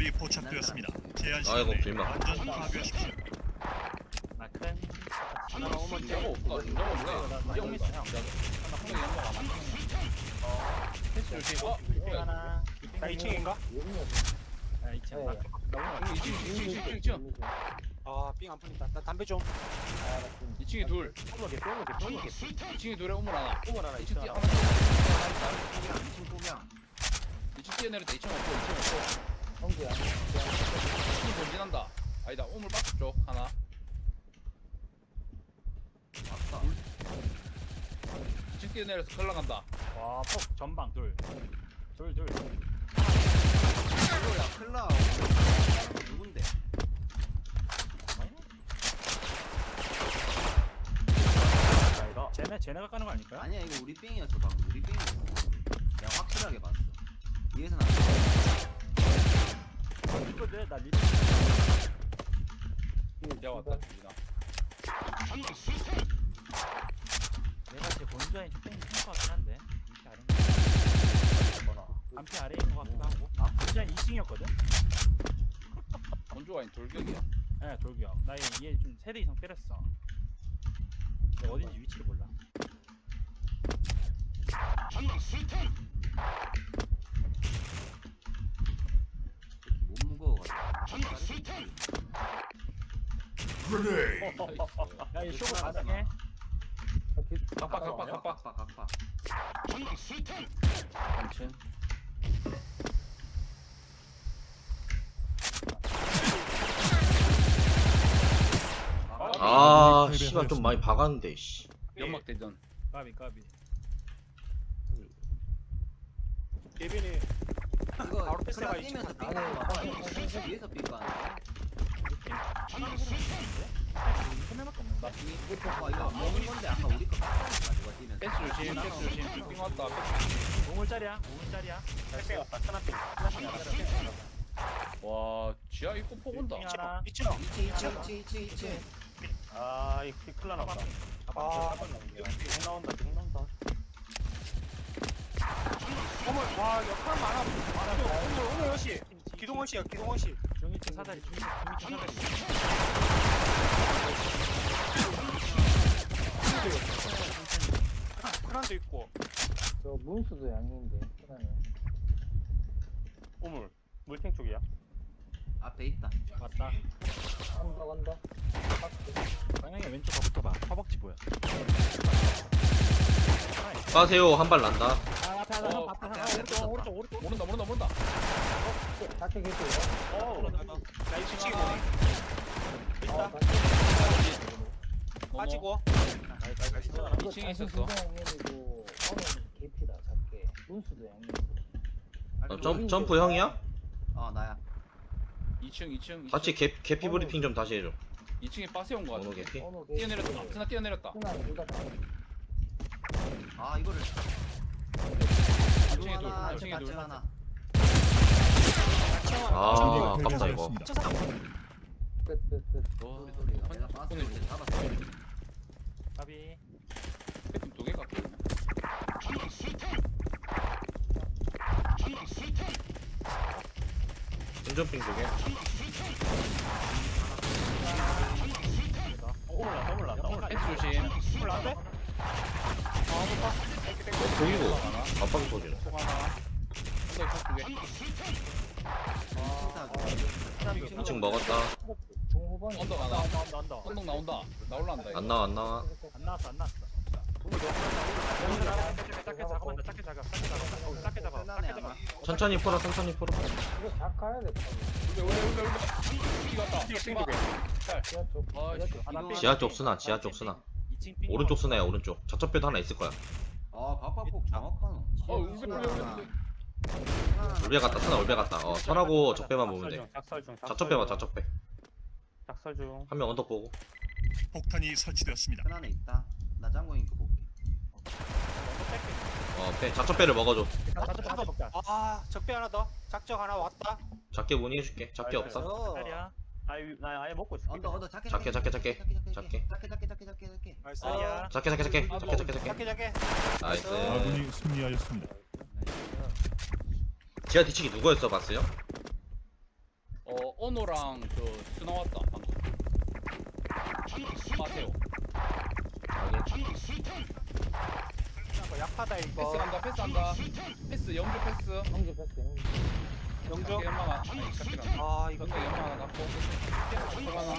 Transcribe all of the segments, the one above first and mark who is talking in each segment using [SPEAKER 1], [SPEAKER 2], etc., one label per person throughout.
[SPEAKER 1] 건물이 포착되었습니다. 제한
[SPEAKER 2] 아이고,
[SPEAKER 1] 시간에
[SPEAKER 2] 빌마.
[SPEAKER 1] 완전 파괴하십시오.
[SPEAKER 3] 마큰
[SPEAKER 4] 하나 오면
[SPEAKER 5] 진짜가 없다. 진짜가 몰라.
[SPEAKER 3] 나
[SPEAKER 5] 형
[SPEAKER 3] 있어 형.
[SPEAKER 5] 하나 한명 연락 안 하네. 패스 조심.
[SPEAKER 3] 빅 하나.
[SPEAKER 4] 나 2층인가?
[SPEAKER 3] 아 2층 나. 나 오늘
[SPEAKER 5] 2층.
[SPEAKER 4] 아삥 안 풀린다. 나 담배 좀.
[SPEAKER 5] 2층에 둘.
[SPEAKER 3] 쏠게 쏠게 쏠게.
[SPEAKER 5] 2층에 둘에 우물 하나.
[SPEAKER 3] 오물 하나
[SPEAKER 5] 2층
[SPEAKER 3] 있어.
[SPEAKER 5] 뛰어.
[SPEAKER 6] 2층 꾸명
[SPEAKER 5] 2층 뛰어내렸다. 2층 없고 2층 없고. 2층 본진한다. 아니다. 우물 박스 쪽 하나.
[SPEAKER 6] 왔다
[SPEAKER 5] 2층 뛰어내려서 걸러 간다.
[SPEAKER 3] 와폭 전방 둘. 둘.
[SPEAKER 6] 이거야 클라 누군데?
[SPEAKER 3] 자 이거 쟤네가 까는 거 아닐까요?
[SPEAKER 6] 아니야 이거 우리 삥이었어 방금 우리 삥이었어 내가 확실하게 봤어 위에서는 안
[SPEAKER 3] 이거 내나 리.
[SPEAKER 5] 야 왔다. 주진아.
[SPEAKER 3] 내가 제 본주아인 뺑이 큰거 같긴 한데. 안피 아래에 있는 거 같기도 하고. 본주아인 2층이었거든.
[SPEAKER 5] 원조가 아닌 돌격이야.
[SPEAKER 3] 네 돌기야. 나얘좀 세대 이상 때렸어. 근데 어딘지 위치를 몰라.
[SPEAKER 6] 못 무거워가지고
[SPEAKER 3] 야이 쇼부 가능해?
[SPEAKER 5] 각박.
[SPEAKER 6] 각박
[SPEAKER 5] 3층.
[SPEAKER 2] 아 씨발 좀 많이 박았는데 씨.
[SPEAKER 5] 연막 대전.
[SPEAKER 3] 까비.
[SPEAKER 4] 예빈이
[SPEAKER 6] 이거
[SPEAKER 4] 바로 패스가
[SPEAKER 6] 클라
[SPEAKER 4] 있지.
[SPEAKER 6] 뛰면서 삥 가는 위에서 삥 가는
[SPEAKER 3] 손해밖에 없는데.
[SPEAKER 6] 이거 먹은 건데 아까 우리 거 깠다니까 누가 뛰면서
[SPEAKER 5] 패스 조심. 빙 왔다. 패스.
[SPEAKER 3] 우물짜리야.
[SPEAKER 4] 택배 왔다. 하나삥.
[SPEAKER 5] 와 지하 입구 폭 온다.
[SPEAKER 3] 하나.
[SPEAKER 4] 2층.
[SPEAKER 6] 2층
[SPEAKER 4] 아 이거 큰일 나다. 아 용 나온다. 어머 와 역할 많아. 오늘 여시. 기동원 씨야.
[SPEAKER 3] 중위층 사다리.
[SPEAKER 4] 크란도 있고.
[SPEAKER 7] 저 문수도 양인데 그러네.
[SPEAKER 4] 우물. 물탱 쪽이야.
[SPEAKER 6] 앞에 있다
[SPEAKER 3] 맞다.
[SPEAKER 7] 간다.
[SPEAKER 3] 방향이 왼쪽 가붙어봐. 허벅지 보여.
[SPEAKER 2] 빠세요 한 발 난다.
[SPEAKER 3] 아 앞에 하나. 앞에 하나. 오른쪽.
[SPEAKER 5] 모른다.
[SPEAKER 7] 작게 계세요.
[SPEAKER 4] 나 2층
[SPEAKER 7] 아,
[SPEAKER 4] 있다.
[SPEAKER 5] 넘어.
[SPEAKER 4] 빠지고.
[SPEAKER 7] 이거
[SPEAKER 5] 2층에 있었어.
[SPEAKER 7] 양님이고 어는 개피다 작게. 문수도 양님.
[SPEAKER 2] 점프 형이야?
[SPEAKER 6] 나야
[SPEAKER 5] 2층.
[SPEAKER 2] 같이 개피 브리핑 좀 다시 해줘.
[SPEAKER 5] 2층에 빠세 온거
[SPEAKER 2] 어느
[SPEAKER 5] 같아.
[SPEAKER 2] 개피?
[SPEAKER 7] 어느
[SPEAKER 5] 뛰어내렸다. 스나 뛰어내렸다.
[SPEAKER 7] 둘다
[SPEAKER 6] 이거를
[SPEAKER 5] 2층에 둘. 2층에 둘.
[SPEAKER 6] 하나
[SPEAKER 2] 아 아깝다 이거.
[SPEAKER 7] 끝.
[SPEAKER 6] 소리가 내가 봤을 때 잡았어
[SPEAKER 3] 까비.
[SPEAKER 5] 패팀 2개 갖고 있네.
[SPEAKER 2] 운전핑 두개.
[SPEAKER 3] 올랐다.
[SPEAKER 5] 패스 조심.
[SPEAKER 4] 올라왔대?
[SPEAKER 2] 보이고 압박 터지네.
[SPEAKER 5] 속 하나. 언더 쪽 2개.
[SPEAKER 2] 2층 먹었다.
[SPEAKER 7] 중후반.
[SPEAKER 5] 언더 하나.
[SPEAKER 3] 나온다.
[SPEAKER 5] 언덕 나온다. 나올란다 이거.
[SPEAKER 2] 안 나와.
[SPEAKER 3] 안 나왔어. 작게 작아.
[SPEAKER 2] 천천히 풀어.
[SPEAKER 7] 이거 작 가야 돼.
[SPEAKER 5] 울베. 이 갔다.
[SPEAKER 7] 지하 쪽.
[SPEAKER 5] 아,
[SPEAKER 2] 지하 쪽 쓰나.
[SPEAKER 3] 2층 삥.
[SPEAKER 2] 오른쪽 쓰나야 오른쪽. 저쪽뼈도 하나 있을 거야.
[SPEAKER 6] 각박폭 정확하노
[SPEAKER 5] 울베.
[SPEAKER 2] 울베 갔다 쓰나 울베 갔다. 선하고 적배만 보면 돼. 자적배 봐 자적배.
[SPEAKER 4] 작설 중.
[SPEAKER 2] 한 명 언덕 보고.
[SPEAKER 1] 폭탄이 설치되었습니다.
[SPEAKER 6] 큰 안에 있다 나 장고잉 거 볼게
[SPEAKER 2] 빼. 자적배를 먹어줘.
[SPEAKER 4] 적배 하나 더. 작적 하나 왔다.
[SPEAKER 2] 작게 문의해줄게. 작게 없어.
[SPEAKER 3] 짜리야.
[SPEAKER 4] 나 아예 먹고 있어.
[SPEAKER 6] 언더 작게
[SPEAKER 2] 작게.
[SPEAKER 6] 작게
[SPEAKER 4] 나이스.
[SPEAKER 3] 짜리야.
[SPEAKER 2] 작게.
[SPEAKER 4] 작게.
[SPEAKER 2] 나이스.
[SPEAKER 1] 아군이 승리하였습니다.
[SPEAKER 2] 지하 뒤치기 누구였어 봤어요?
[SPEAKER 5] 오노랑 스 나왔다 방금. 마세요.
[SPEAKER 4] 이거 약하다 이거.
[SPEAKER 5] 패스한다. 패스 영주 패스.
[SPEAKER 7] 형제 패스 형제.
[SPEAKER 4] 영주.
[SPEAKER 5] 작게 연막 하나. 아니 작게란다.
[SPEAKER 4] 아 이거
[SPEAKER 5] 이거 연막 하나 갖고. 폭 하나.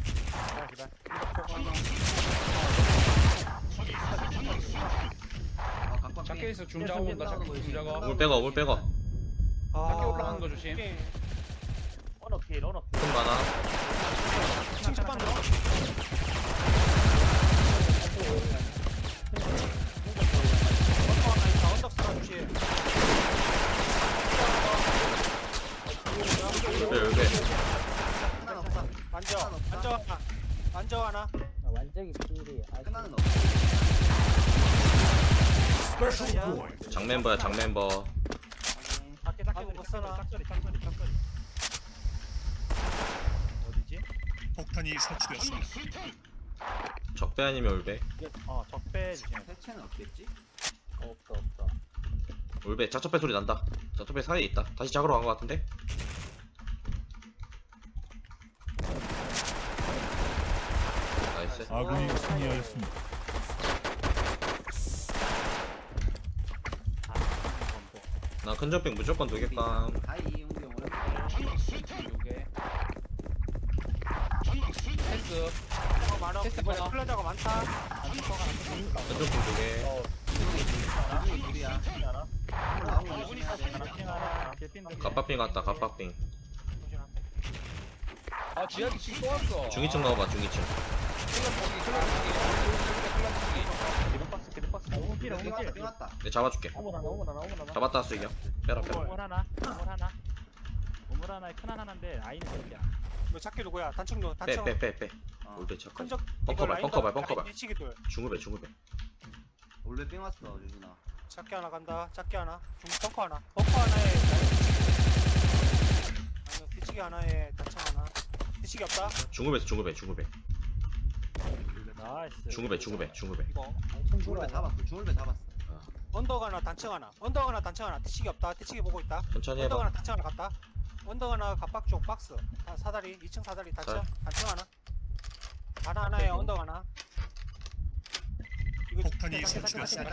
[SPEAKER 5] 작게 있어 줌 작업 온다. 작게 줌 작업.
[SPEAKER 2] 물 빼고 물 빼고.
[SPEAKER 5] 작게 올라가는 거 조심.
[SPEAKER 3] 언어 필 언어 필.
[SPEAKER 2] 큰 많아.
[SPEAKER 4] 칭찬반 넣어. 언덕 쓰나 주시.
[SPEAKER 2] 울배.
[SPEAKER 4] 만져 하나.
[SPEAKER 7] 아, 완전히 필이
[SPEAKER 6] 끝나는
[SPEAKER 2] 장멤버야 장멤버.
[SPEAKER 3] 밖에
[SPEAKER 4] 아이고, 쓰나.
[SPEAKER 3] 짝소리 어디지?
[SPEAKER 1] 폭탄이 설치되었습니다.
[SPEAKER 2] 적배 아니면 울배.
[SPEAKER 3] 적배 주시면
[SPEAKER 6] 해체는 없겠지?
[SPEAKER 7] 없다.
[SPEAKER 2] 울배 자첩배 소리 난다. 자첩배 사이에 있다. 다시 작으러 간 것 같은데? 나이스.
[SPEAKER 1] 아군이 승리하였습니다.
[SPEAKER 2] 나 큰접빙 무조건 도겠감.
[SPEAKER 6] 하이 용기 형 오랜만에.
[SPEAKER 5] 요게. 패스.
[SPEAKER 4] 많아.
[SPEAKER 5] 패스
[SPEAKER 4] 이번에
[SPEAKER 5] 많아.
[SPEAKER 4] 플라자가 많다.
[SPEAKER 2] 큰접빙 두개.
[SPEAKER 6] 나중에 둘이야. 나온 거 조심해야 돼.
[SPEAKER 2] 갑박빙 왔다 갑박빙.
[SPEAKER 5] 아 지하기 지금 또 왔어.
[SPEAKER 2] 중위층 넣어봐 중위층.
[SPEAKER 3] 기름박스 오물
[SPEAKER 6] 왔다.
[SPEAKER 2] 내 잡아줄게.
[SPEAKER 3] 오물 하나
[SPEAKER 2] 잡았다 수익이야. 빼라 빼라.
[SPEAKER 3] 오물 하나에 큰 하나인데 아이는 새끼야.
[SPEAKER 4] 너 찾기 누구야? 단층 단층.
[SPEAKER 2] 빼. 울배 척.
[SPEAKER 4] 큰적.
[SPEAKER 2] 벙커발.
[SPEAKER 4] 미치기들.
[SPEAKER 2] 중급에.
[SPEAKER 6] 원래 뺑 왔어 유준아.
[SPEAKER 4] 작게 하나 간다. 작게 하나. 중 벙커 하나. 벙커 하나에. 아니 뒤치기 하나에 단층 하나. 뒤치기 없다.
[SPEAKER 2] 중급에.
[SPEAKER 3] 나이스.
[SPEAKER 2] 중급에.
[SPEAKER 4] 이거.
[SPEAKER 7] 엄청
[SPEAKER 6] 중울배
[SPEAKER 7] 좋아.
[SPEAKER 6] 잡았어. 중울배 잡았어.
[SPEAKER 4] 언덕 하나 단층 하나. 언덕 하나 단층 하나. 뒤치기 없다. 뒤치기 보고 있다.
[SPEAKER 2] 천천히
[SPEAKER 4] 언덕
[SPEAKER 2] 해봐.
[SPEAKER 4] 하나 단층 하나 갔다. 언덕 하나 갑박 쪽 박스. 사다리 2층 사다리 단층. 단층 하나. 하나에 언덕 하나. 이거
[SPEAKER 1] 폭탄이 설치되었습니다.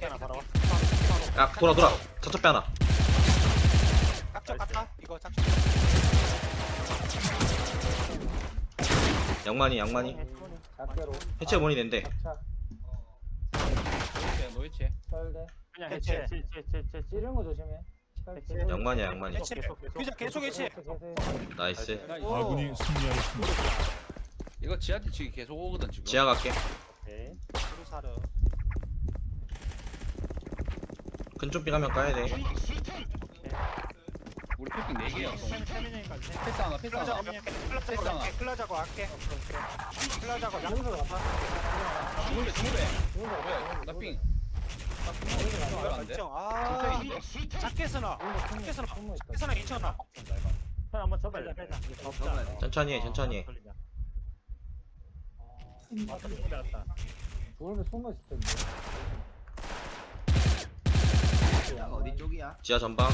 [SPEAKER 2] 야 돌아. 자첩배 하나.
[SPEAKER 4] 작적 같다. 이거 작적.
[SPEAKER 2] 양만이.
[SPEAKER 7] 작게로.
[SPEAKER 2] 해체 원이 낸대.
[SPEAKER 7] 차
[SPEAKER 5] 노이체.
[SPEAKER 7] 설대.
[SPEAKER 3] 그냥
[SPEAKER 4] 해체.
[SPEAKER 7] 찌른 거 조심해. 설대.
[SPEAKER 2] 양만이야.
[SPEAKER 4] 해체. 규자 계속 해체.
[SPEAKER 2] 나이스.
[SPEAKER 1] 아군이 승리하였습니다.
[SPEAKER 5] 이거 지하 뒤치기 계속 오거든 지금.
[SPEAKER 2] 지하 갈게.
[SPEAKER 4] 우리 사르.
[SPEAKER 2] 큰쪽빙 하면 까야 돼.
[SPEAKER 5] 우리 패핑 4개야.
[SPEAKER 3] 세민형까지.
[SPEAKER 5] 패스 하나. 패스 하나.
[SPEAKER 4] 클라자고 할게. 클라자고
[SPEAKER 7] 중에서
[SPEAKER 4] 양쪽
[SPEAKER 7] 갔다.
[SPEAKER 5] 중울배. 뭐야? 나 삥. 안 돼?
[SPEAKER 4] 아, 작게 쓰나. 작게 쓰나. 작게 쓰나 2,000원.
[SPEAKER 3] 한번 접어야 돼.
[SPEAKER 6] 접어야 돼.
[SPEAKER 2] 천천히 해.
[SPEAKER 7] 좋은데 숨어 있을 텐데.
[SPEAKER 6] 야, 어디 쪽이야?
[SPEAKER 2] 지하 전방.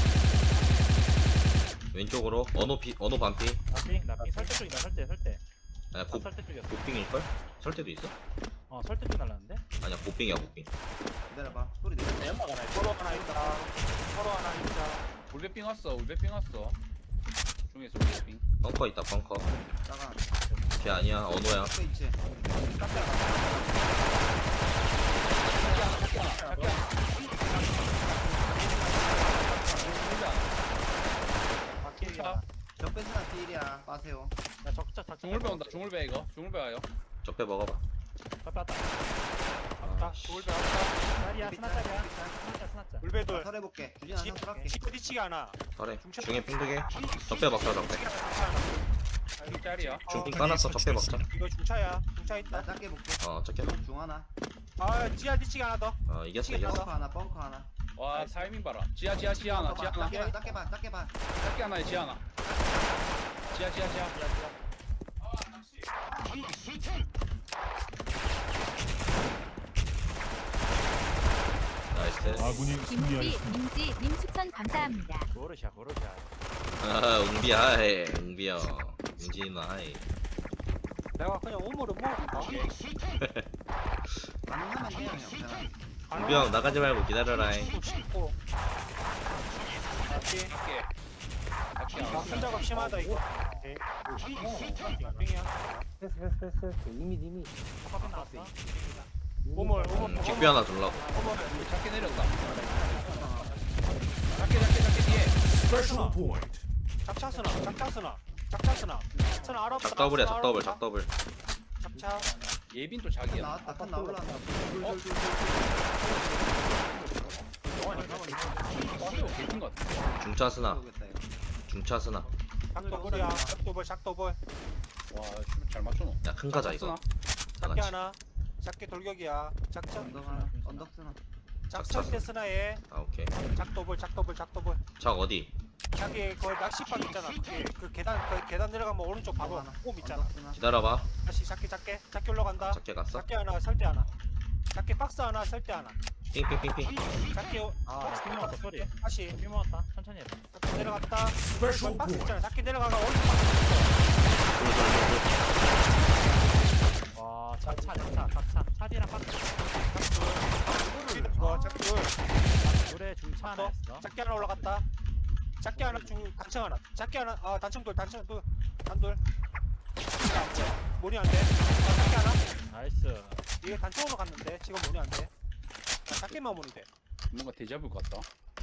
[SPEAKER 2] 왼쪽으로 언어 반피.
[SPEAKER 3] 나삥 설대 쪽이다. 설대.
[SPEAKER 2] 아니야
[SPEAKER 3] 설대 쪽이었어.
[SPEAKER 2] 곱빙일걸? 설때도 있어?
[SPEAKER 3] 설대 쪽 날랐는데?
[SPEAKER 2] 아니야 곱빙이야.
[SPEAKER 6] 기다려봐. 소리 내려.
[SPEAKER 3] 연막 하나 있어.
[SPEAKER 4] 서로 하나 있다. 서로 하나 있다.
[SPEAKER 5] 울배삥 왔어. 중에서 울배삥.
[SPEAKER 2] 벙커 있다 벙커.
[SPEAKER 6] 나가.
[SPEAKER 2] 걔 아니야 언어야.
[SPEAKER 6] 앞에 있지.
[SPEAKER 5] 자,
[SPEAKER 6] 적배스나 필이야. 빠세요.
[SPEAKER 3] 야 적자.
[SPEAKER 5] 중울배 온다. 중울배 이거. 중울배 와요.
[SPEAKER 2] 적배 먹어봐.
[SPEAKER 3] 왔다.
[SPEAKER 4] 왔다. 돌배 왔다.
[SPEAKER 3] 다리야. 스나짜리야. 스나짜.
[SPEAKER 4] 물배돌.
[SPEAKER 6] 설해볼게. 주진아 형 설할게.
[SPEAKER 4] 뒤치기 하나.
[SPEAKER 2] 그래 중에 핑두개. 적배 먹자 적배.
[SPEAKER 5] 짤이야.
[SPEAKER 2] 중핑 까놨어. 적배 먹자.
[SPEAKER 4] 이거 중차야. 중차
[SPEAKER 6] 나
[SPEAKER 4] 있다.
[SPEAKER 6] 작게 볼게.
[SPEAKER 2] 적게.
[SPEAKER 6] 중 하나.
[SPEAKER 4] 아, 지하 뒤치기 하나 더.
[SPEAKER 2] 이겼어.
[SPEAKER 6] 벙커 하나.
[SPEAKER 5] 와 타이밍 봐라. 지하 하나.
[SPEAKER 6] 작게 봐.
[SPEAKER 5] 작게 하나에 지하 하나. 지하.
[SPEAKER 2] 나이스.
[SPEAKER 1] 아군이
[SPEAKER 8] 김우비,
[SPEAKER 1] 승리하였습니다.
[SPEAKER 8] 민지, 님 추천 감사합니다.
[SPEAKER 3] 고르샤.
[SPEAKER 2] 웅비야 해. 웅비야. 랩이요. 윤진이 누나 하이.
[SPEAKER 4] 내가 그냥 우물을 먹을까?
[SPEAKER 6] 가능하면 해요 형. 그냥
[SPEAKER 2] 우병 나가지 말고 기다려라잉.
[SPEAKER 4] 고 맞지?
[SPEAKER 5] 갈게.
[SPEAKER 4] 나 손작업 심하다 이거. 빙이야.
[SPEAKER 7] 패스. 이미.
[SPEAKER 3] 화면 나왔어?
[SPEAKER 4] 우물.
[SPEAKER 2] 직비 하나 주려고.
[SPEAKER 5] 작게 내렸다. 작게 뒤에.
[SPEAKER 4] 작차스나. 스나 알아.
[SPEAKER 2] 작더블.
[SPEAKER 4] 작차.
[SPEAKER 5] 예빈 또 자기야.
[SPEAKER 6] 나왔다. 큰 나올란다.
[SPEAKER 5] 개인 것 같아.
[SPEAKER 2] 중차 스나.
[SPEAKER 6] 오겠다, 이거.
[SPEAKER 2] 중차 스나.
[SPEAKER 4] 작도벌이야. 작도벌.
[SPEAKER 5] 와, 잘 맞춰.
[SPEAKER 2] 야 큰 가자 이거.
[SPEAKER 4] 작게 하나. 작게 돌격이야. 작차.
[SPEAKER 6] 언덕 하나. 언덕 쓰나.
[SPEAKER 4] 작차 때 스나에
[SPEAKER 2] 아 오케이.
[SPEAKER 4] 작도벌.
[SPEAKER 2] 작 어디?
[SPEAKER 4] 자기 그 낚시방 있잖아. 그 계단 내려가면 오른쪽 바로 꼼 있잖아.
[SPEAKER 6] 언덕 쓰나.
[SPEAKER 2] 기다려봐.
[SPEAKER 4] 다시 작게 올라간다.
[SPEAKER 2] 작게 갔어?
[SPEAKER 4] 작게 하나 설대 하나. 작게 박스 하나 설대 하나.
[SPEAKER 2] 삥삥삥삥.
[SPEAKER 4] 작게
[SPEAKER 3] 피 먹었다 소리.
[SPEAKER 4] 다시
[SPEAKER 3] 피 먹었다. 천천히 해봐.
[SPEAKER 4] 작게 내려갔다. 거기 박스 있잖아. 작게 내려가가 오른쪽 박스
[SPEAKER 3] 와 차디랑 박스.
[SPEAKER 4] 있어. 이거 작게
[SPEAKER 3] 노래 중차 하나 했어.
[SPEAKER 4] 작게 하나 올라갔다. 작게 하나 단층 하나. 작게 하나 단층 둘 단돌. 뭐니 안 돼? 작게 하나.
[SPEAKER 3] 나이스.
[SPEAKER 4] 이게 단층으로 갔는데 지금 뭐니 안 돼? 작게만 뭐니 돼.
[SPEAKER 5] 뭔가 데자뷰 같다.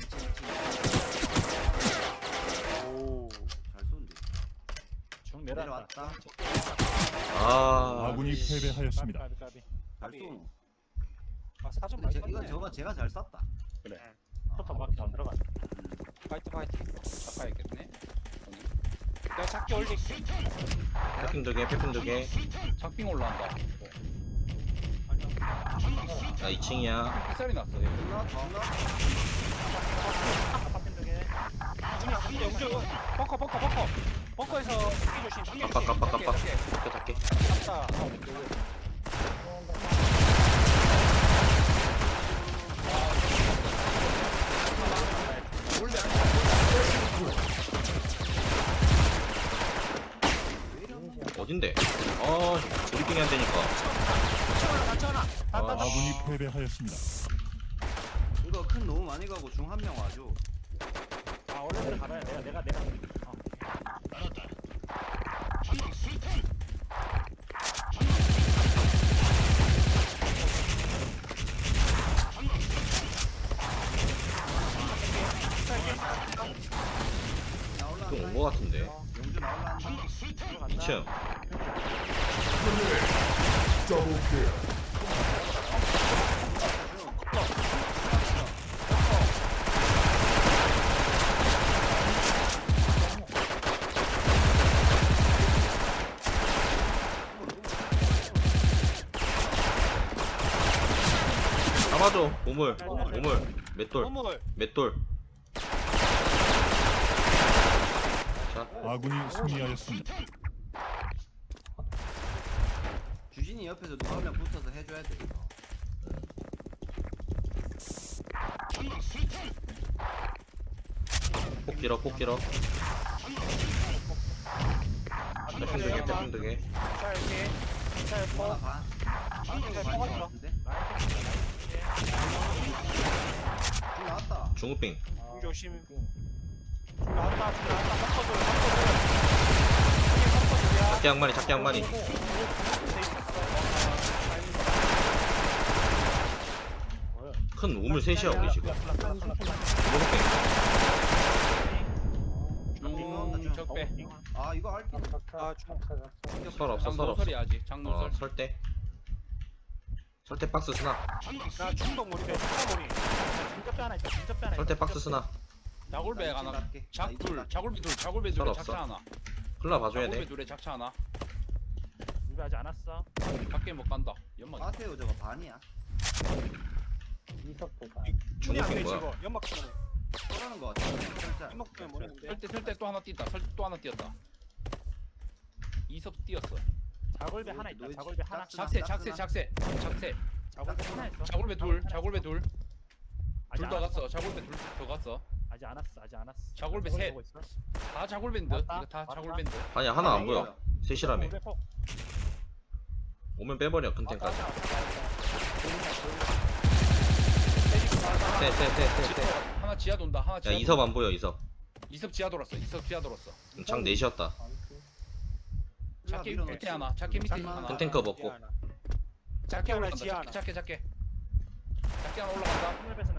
[SPEAKER 4] 오.
[SPEAKER 6] 잘 쏜데.
[SPEAKER 3] 중 내려왔다.
[SPEAKER 6] 내려왔다.
[SPEAKER 2] 아.
[SPEAKER 1] 아군이 패배하였습니다.
[SPEAKER 3] 까비.
[SPEAKER 6] 잘 쏘.
[SPEAKER 4] 사전
[SPEAKER 6] 근데
[SPEAKER 4] 많이
[SPEAKER 6] 이건 저거 제가 잘 쐈다.
[SPEAKER 5] 그래.
[SPEAKER 3] 포터밖에 안 들어가.
[SPEAKER 4] 파이팅.
[SPEAKER 5] 착하겠네.
[SPEAKER 4] 내가 작게 올릴게.
[SPEAKER 2] 패핑 두개.
[SPEAKER 5] 작빙 올라온다.
[SPEAKER 2] 나 2층이야.
[SPEAKER 5] 햇살이 났어. 얘.
[SPEAKER 6] 존나.
[SPEAKER 3] 파핀 두 개.
[SPEAKER 4] 근데 영주 벙커에서 이 조심.
[SPEAKER 2] 깜빡.
[SPEAKER 5] 작게.
[SPEAKER 2] 작게.
[SPEAKER 4] 갔다.
[SPEAKER 2] 어딘데? 아 브리핑이 안 되니까.
[SPEAKER 4] 단층 하나.
[SPEAKER 1] 아군이 패배하였습니다.
[SPEAKER 6] 이거 큰 너무 많이 가고 중 한 명 와줘.
[SPEAKER 3] 원래대로 가봐야 내가.
[SPEAKER 6] 나 올라간다.
[SPEAKER 2] 좀 온 거 같은데.
[SPEAKER 6] 영주 나올란다.
[SPEAKER 2] 2층. 잡아줘. 우물. 맷돌.
[SPEAKER 4] 우물.
[SPEAKER 2] 자.
[SPEAKER 1] 아군이 승리하였습니다.
[SPEAKER 6] 주진이 옆에서 누가 한 명 붙어서 해줘야 돼 이거.
[SPEAKER 2] 폭 길어. 패핑 두 개.
[SPEAKER 4] 자 이렇게. 자
[SPEAKER 6] 하나
[SPEAKER 4] 이거.
[SPEAKER 6] 반. 반대가 반인 것 같은데. 중 나왔다.
[SPEAKER 2] 중우빙.
[SPEAKER 4] 조심. 나왔다. 벙커들.
[SPEAKER 2] 작게 한 마리. 큰 우물 셋이야 우리 지금. 중우빙.
[SPEAKER 5] 적배.
[SPEAKER 6] 아 이거 알피.
[SPEAKER 2] 설 없어.
[SPEAKER 5] 장노설이 아직. 장노설.
[SPEAKER 2] 설대 박스 스나.
[SPEAKER 4] 나 중독 모니데 중독 모니.
[SPEAKER 3] 중접대 하나 있다.
[SPEAKER 2] 설대 박스 스나.
[SPEAKER 5] 자골배 하나. 작둘. 자골배 둘에
[SPEAKER 2] 설 없어.
[SPEAKER 5] 작차 하나.
[SPEAKER 2] 흘러 봐줘야
[SPEAKER 5] 자골배
[SPEAKER 2] 돼.
[SPEAKER 5] 둘에 작차 하나.
[SPEAKER 3] 우리 아직 안 왔어.
[SPEAKER 5] 밖에 못 간다. 연막.
[SPEAKER 6] 마세요 저거 반이야.
[SPEAKER 2] 중우빙 뭐야?
[SPEAKER 4] 지금 연막 때문에.
[SPEAKER 6] 쏘라는 거 같아. 살짝.
[SPEAKER 4] 연막 때문에 모르는데.
[SPEAKER 5] 설대 또 하나 뛴다. 설대 또 하나 뛰었다. 이섭 뛰었어.
[SPEAKER 3] 자골배 하나 있다. 자골배 하나.
[SPEAKER 5] 작세.
[SPEAKER 3] 자골배 하나 있어.
[SPEAKER 5] 자골배 둘.
[SPEAKER 3] 아직
[SPEAKER 5] 둘 더
[SPEAKER 3] 안
[SPEAKER 5] 갔어. 자골배 둘 더 갔어.
[SPEAKER 3] 아직 아직 안 왔어. 아직 안 왔어.
[SPEAKER 5] 자골배
[SPEAKER 3] 자골
[SPEAKER 5] 셋.
[SPEAKER 3] 보고 있어.
[SPEAKER 5] 다 자골밴드.
[SPEAKER 3] 맞다.
[SPEAKER 5] 이거 다
[SPEAKER 3] 맞다.
[SPEAKER 5] 자골밴드.
[SPEAKER 2] 아니야 하나 안 보여. 셋이라며.
[SPEAKER 3] 골배 폭.
[SPEAKER 2] 오면 빼버려 큰템까지.
[SPEAKER 3] 맞다, 맞다,
[SPEAKER 2] 셋.
[SPEAKER 5] 하나 지하 돈다. 하나
[SPEAKER 2] 야
[SPEAKER 5] 지하.
[SPEAKER 2] 이섭 안 보여 이섭.
[SPEAKER 5] 이섭 지하 돌았어. 이섭 지하 돌았어.
[SPEAKER 2] 장 넷이었다.
[SPEAKER 5] 작게 밑에 하나. 작게 밑에 하나.
[SPEAKER 2] 큰 탱커 먹고.
[SPEAKER 5] 작게
[SPEAKER 4] 하나,
[SPEAKER 5] 올라간다.
[SPEAKER 4] 지하 하나.
[SPEAKER 5] 작게. 작게 하나 올라간다.
[SPEAKER 3] 큰일 베스나.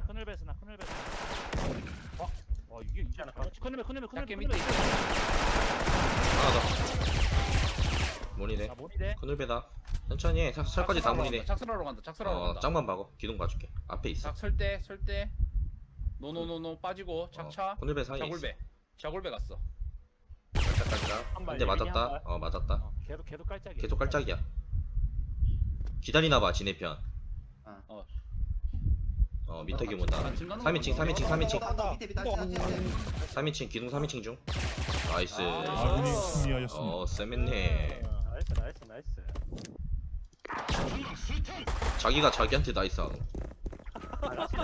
[SPEAKER 3] 이게
[SPEAKER 4] 하나.
[SPEAKER 3] 큰일
[SPEAKER 5] 작게
[SPEAKER 3] 베.
[SPEAKER 5] 밑에 있어.
[SPEAKER 2] 하나 더. 문이래.
[SPEAKER 3] 아 모니데.
[SPEAKER 2] 큰울배다. 천천히 해. 설까지 다 문이래.
[SPEAKER 5] 작설하러 간다. 작설하러 간다.
[SPEAKER 2] 짱만 박어. 기둥 봐줄게. 앞에 있어.
[SPEAKER 5] 작 설대. 노노노노 빠지고 작차.
[SPEAKER 2] 큰울배 사이에 있어.
[SPEAKER 5] 자골배 갔어.
[SPEAKER 2] 깔짝깔짝. 한 대 맞았다. 맞았다.
[SPEAKER 3] 계속 깔짝이야.
[SPEAKER 2] 계속 깔짝이야. 기다리나봐 지네 편. 미터기 온다. 3인칭.
[SPEAKER 6] 밑에
[SPEAKER 2] 3인칭 기둥 3인칭 중. 나이스.
[SPEAKER 1] 아군이 승리하였습니다.
[SPEAKER 2] 쌤했네.
[SPEAKER 3] 나이스.
[SPEAKER 2] 자기가 자기한테 나이스 하노.
[SPEAKER 3] 나이스.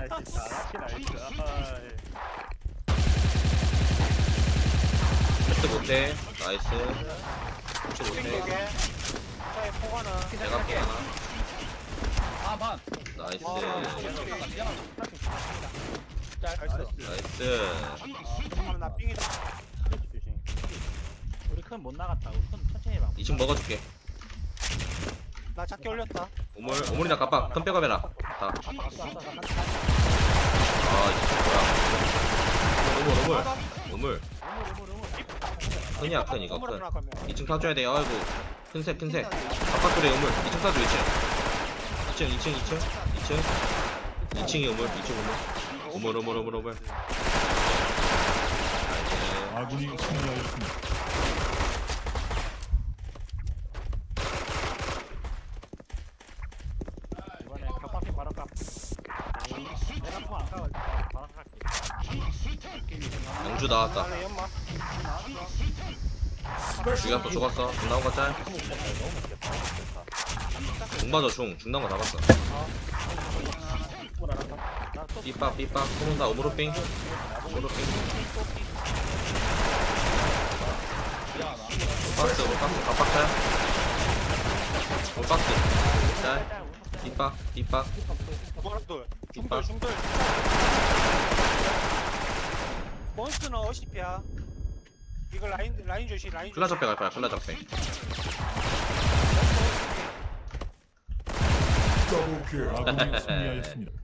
[SPEAKER 2] 패스 못해. 나이스. 패스 못해.
[SPEAKER 4] 차에 포가는
[SPEAKER 2] 내가 포하나.
[SPEAKER 5] 아 반.
[SPEAKER 2] 나이스. 나이스.
[SPEAKER 4] 나 삥이다.
[SPEAKER 3] 우리 큰 못 나갔다. 우리 큰 천천히 해봐.
[SPEAKER 2] 2층 먹어줄게.
[SPEAKER 4] 나 작게 올렸다.
[SPEAKER 2] 오물이나 깜빡. 큰 백업해라. 다. 아 이거 뭐야. 오물. 큰이야 큰 이거 큰. 2층 타줘야 돼. 아이고 큰색. 바깥돌에 우물. 2층 타줘 2층이 우물. 2층 우물. 우물.
[SPEAKER 1] 아군이 승리하였습니다.
[SPEAKER 3] 이번에 격파핀 바로 까. 내가 포안 까고 바로 갈게.
[SPEAKER 2] 영주 나왔다.
[SPEAKER 4] 나는 연마.
[SPEAKER 2] 주기가 또 죽었어. 중 나온 거 짤. 중 맞아 중 나온 거 잡았어. 삐빡 소문다. 오므로삥. 박스 갑박짤. 박스 짤. 삐빡.
[SPEAKER 4] 뭐라도
[SPEAKER 2] 뒷박.
[SPEAKER 4] 중돌. 몬스터는 어시피야. 이거 라인 조심.
[SPEAKER 2] 클라적배 갈 거야. 클라적배.
[SPEAKER 1] 아군이 승리하였습니다.